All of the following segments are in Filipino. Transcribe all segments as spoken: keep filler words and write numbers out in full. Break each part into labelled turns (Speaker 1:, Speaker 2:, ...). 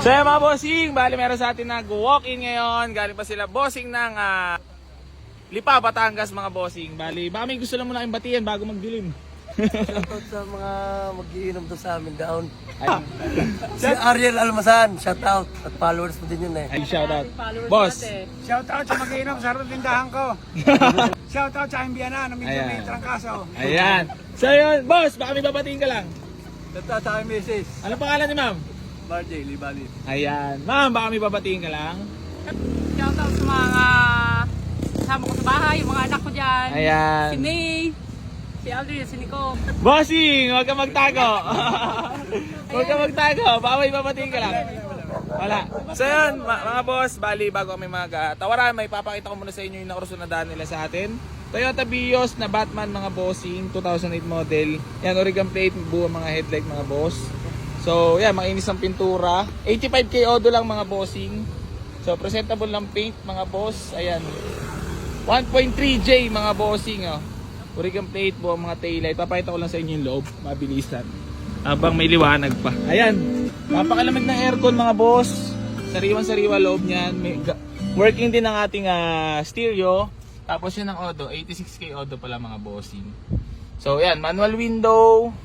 Speaker 1: So yan mga bossing, bali meron sa atin nag-walk-in ngayon. Galing pa sila bossing ng uh, Lipa, Batangas mga bossing. Bali, baka may gusto lang muna kayong batiyan bago magdilim.
Speaker 2: Shoutout sa mga mag-iinom to sa amin down. Si Ariel Almasan, shoutout. At followers mo din yun eh.
Speaker 1: Ay, shout out. Boss.
Speaker 3: Shoutout sa mag-iinom sa harap tindahan ko. Shoutout sa Imbiana, na medyo
Speaker 1: Ayan.
Speaker 3: may trangkaso.
Speaker 1: Ayan. So yun, boss, baka may babatiin ka lang.
Speaker 2: Shoutout sa aking misis,
Speaker 1: Ano pangalan ni ma'am?
Speaker 2: Marjay Libali.
Speaker 1: Ayan. Ma'am, baka may babatiin ka lang.
Speaker 4: Shoutout sa mga kasama ko sa bahay, yung mga anak ko dyan.
Speaker 1: Ayan.
Speaker 4: Si May, si Aldrin, si Nico.
Speaker 1: Bossing, huwag ka magtago. Huwag ka magtago. Baka may babatiin ka lang. Wala. So yun, ma- mga boss, bali bago kami mag-tawaran, may papakita ko muna sa inyo yung nakurso na daan nila sa atin. Toyota Vios na Batman mga bossing, two thousand eight model. Yan, Oregon plate, buo mga headlight mga boss. So yan, makinis ang pintura. eighty-five K odo lang mga bossing. So presentable lang paint mga boss. Ayan. one point three J mga bossing. Oh. Oregon plate, buo mga taillight. Papakita ko lang sa inyo yung loob, mabilisan. Habang may liwanag pa. Ayan. Napakalamig ng aircon mga boss. Sariwan-sariwa loob niyan. May ga- working din ang ating uh, stereo. Tapos yun ang odo. eighty-six K odo pala mga bossing. So yan, manual window.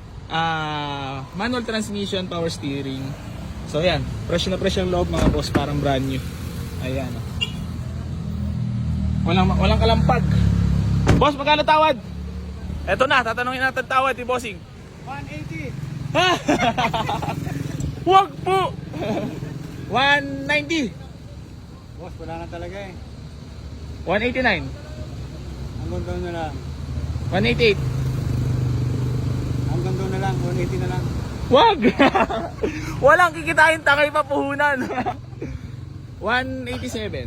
Speaker 1: Uh, manual transmission, power steering. So yan, fresh na fresh ang loob mga boss. Parang brand new. Ayan. Oh. Walang, walang kalampag. Boss, magkano tawad? Eto na, tatanungin natin tawad ni bossing.
Speaker 3: one eighty.
Speaker 1: Ha? Wag po! one ninety.
Speaker 3: Boss, wala na talaga eh.
Speaker 1: one eighty-nine.
Speaker 3: Hanggang doon na lang.
Speaker 1: one eighty-eight.
Speaker 3: Hanggang doon na lang, one eighty na lang.
Speaker 1: Wag! Walang kikitain, tangay pa puhunan. one eighty-seven.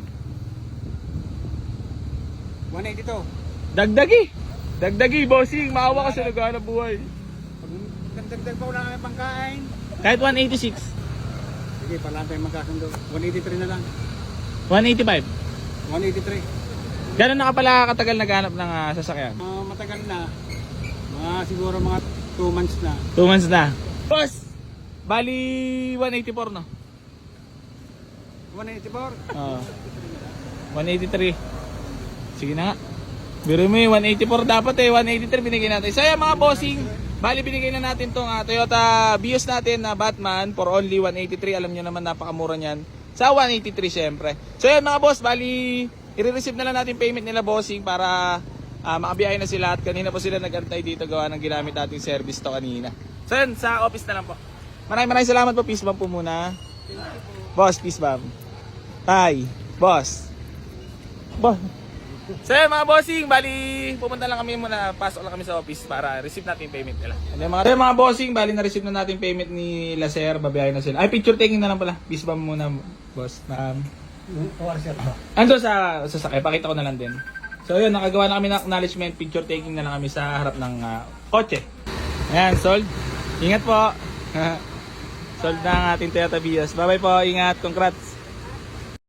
Speaker 3: one eighty-two.
Speaker 1: Dagdagi! Dagdagi, bossing. Maawa ka sa naghanap buhay.
Speaker 3: Pag nagdagdag pa wala kami pangkain.
Speaker 1: Kahit one eighty-six.
Speaker 3: Sige, parang tayo magkasundo. one eighty-three na lang.
Speaker 1: one eighty-five.
Speaker 3: one eighty-three.
Speaker 1: Gano'n na ka pala katagal naghanap ng uh, sasakyan?
Speaker 3: Uh, matagal na. Mga siguro mga two months na.
Speaker 1: two months na. Boss! Bali, one eighty-four no?
Speaker 3: one eighty-four.
Speaker 1: Oo. one eighty-three. Sige na nga. Biro mo yung one eighty-four dapat eh. one eighty-three binigay natin. So yan mga bossing. Bali binigay na natin tong uh, Toyota Vios natin na Batman for only one eighty-three. Alam nyo naman napakamura niyan. Sa one eighty-three syempre. So yan mga boss. Bali i-receive na lang natin payment nila bossing para uh, makabiyahe na sila. At kanina po sila nag-antay dito gawa ng ginamit nating service to kanina. So yan sa office na lang po. Maraming maraming salamat po. Peace bomb po muna. Boss, peace bomb. Tay, boss. Boss. So yun mga bossing, bali pupunta lang kami muna, pasok lang kami sa office para receive natin yung payment nila. Ano yung mga, so, mga bossing, bali na-receive na natin yung payment ni Laser, babiyahin na sila. Ay, picture taking na lang pala. Peace bomb muna, boss. Um, ando sa sasakay, pakita ko na lang din. So yun, nakagawa na kami ng acknowledgement, picture taking na lang kami sa harap ng uh, kotse. Ayan, sold. Ingat po. Sold na ang ating Toyota Vios. Bye bye po, ingat, congrats.